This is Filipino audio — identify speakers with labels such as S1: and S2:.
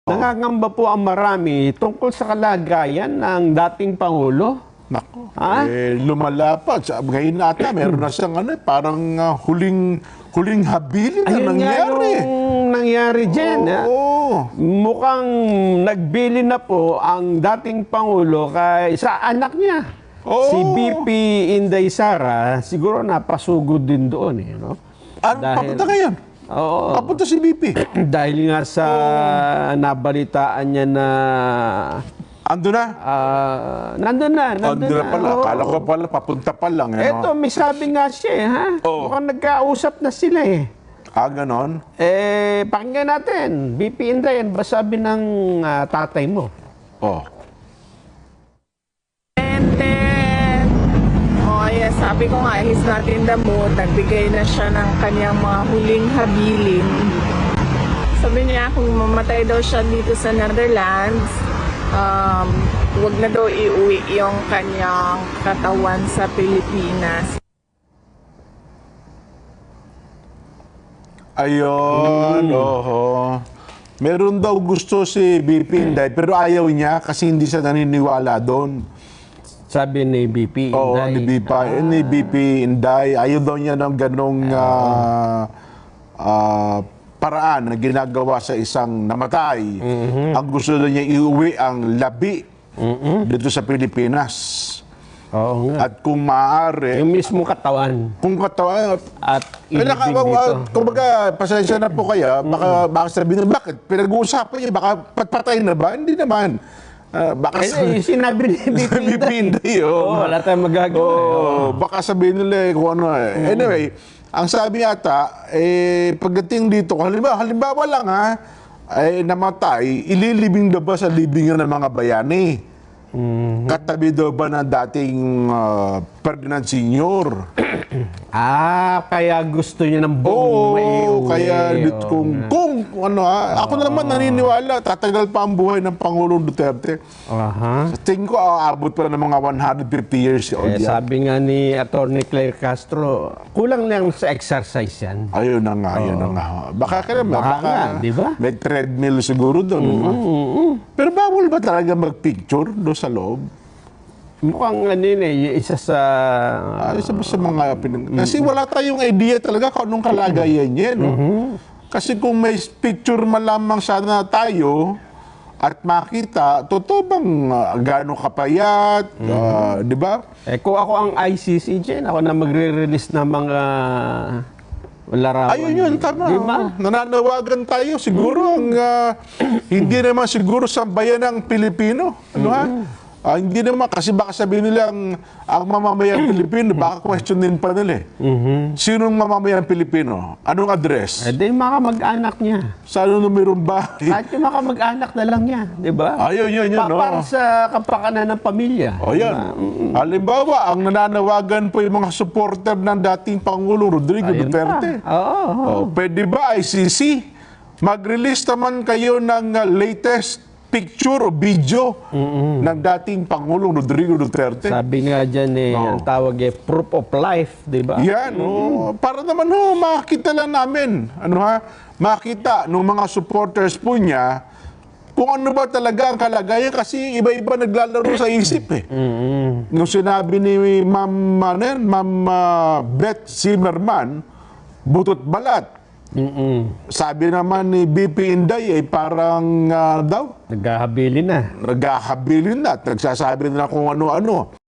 S1: Nangangamba po ang marami tungkol sa kalagayan ng dating Pangulo.
S2: Nako,
S1: Ha?
S2: lumalapad. Ngayon ata, meron na siyang parang huling habilin na
S1: Ayun nga
S2: nangyari.
S1: yung nangyari dyan. Ha?
S2: Oo.
S1: Mukhang nagbili na po ang dating Pangulo sa anak niya.
S2: Oo.
S1: Si BP Inday Sara, siguro napasugod din doon. No?
S2: Papunta ngayon?
S1: Oo.
S2: Papunta si BP.
S1: Dahil nga sa nabalitaan niya na
S2: Ando na?
S1: nandun na.
S2: Ando na pala.
S1: Oo.
S2: Akala ko pala, papunta pa lang.
S1: Eto, may sabi nga siya, ha?
S2: Oo.
S1: Mukhang nagkausap na sila, eh.
S2: Ganon?
S1: Pakinggan natin. BP Inday, ba sabi ng tatay mo?
S2: Oh.
S3: Yes, sabi ko nga, he's not in the mood. Nagbigay na siya ng kanyang mga huling habilin. Sabi niya kung mamatay daw siya dito sa Netherlands, wag na daw iuwi yung kanyang katawan sa Pilipinas.
S2: Ayun, oho. Meron daw gusto si BP Inday, pero ayaw niya kasi hindi siya naniniwala doon.
S1: Sabi ni BP Inday.
S2: Oo, ni BP Inday. Ayaw daw niya ng ganong paraan na ginagawa sa isang namatay. Ang gusto daw niya iuwi ang labi dito sa Pilipinas.
S1: Oo nga.
S2: At kung maaari,
S1: Yung mismo katawan
S2: kung katawa,
S1: at ilibing dito.
S2: kumbaga, pasensya na po kaya, baka sabihin na, bakit? Pinag-uusapan niya, baka patpatay na ba? Hindi naman. Baka
S1: Sinabi ni BP Inday. Wala tayong magagawa.
S2: Baka sabihin nila kung ano eh. Anyway, ang sabi yata, pagdating dito, halimbawa lang namatay, ililibing na ba sa libingan ng mga bayani? Katabi daw ba ng dating Ferdinand Sr.?
S1: Kaya gusto niya ng buong maiuwi.
S2: Kaya kung ako na naman naniniwala, tatagal pa ang buhay ng Pangulong Duterte. Sa tingin ko, aabot pa ng mga 150 years old yan.
S1: Sabi nga ni Atty. Claire Castro, kulang lang sa exercise yan.
S2: Ayun na nga, ayun na nga. Baka
S1: nga, di ba?
S2: May treadmill siguro doon. Pero bawal ba talaga mag-picture doon sa loob?
S1: Mukhang isa sa...
S2: Isa ba sa mga kasi wala tayong idea talaga kung anong kalagayan niya, no? Kasi kung may picture man lamang sana tayo at makita, totoo bang gaano kapayat, di ba?
S1: Kung ako ang ICC dyan, ako na magre-release ng mga larawan.
S2: Ayun yun, tama.
S1: Diba?
S2: Nananawagan tayo. Siguro, hindi naman siguro sa bayan ng Pilipino. Ano ha? Hindi naman, kasi baka sabihin nila ang mamamayang Pilipino, baka questionin pa nila Sinong mamamayang Pilipino? Anong address?
S1: Di mga mag-anak niya.
S2: Sa anong numerong bahay?
S1: Kahit yung mga mag-anak na lang niya. Di ba?
S2: Ayun, no?
S1: Para sa kapakanan ng pamilya.
S2: O yan. Halimbawa, ang nananawagan po yung mga supporter ng dating Pangulong Rodrigo Duterte. Pwede ba ICC? Mag-release naman kayo ng latest picture o video ng dating Pangulong Rodrigo Duterte.
S1: Sabi nga dyan ang tawag proof of life, di ba?
S2: Yan, para naman makita lang namin. Makita ng mga supporters po niya kung ano ba talaga ang kalagayan kasi iba-iba naglalaro sa isip Nung sinabi ni Ma'am Beth Zimmerman, butot balat. Sabi naman ni BP Inday parang
S1: Naghahabilin na.
S2: naghahabili na at nagsasabi na kung ano-ano.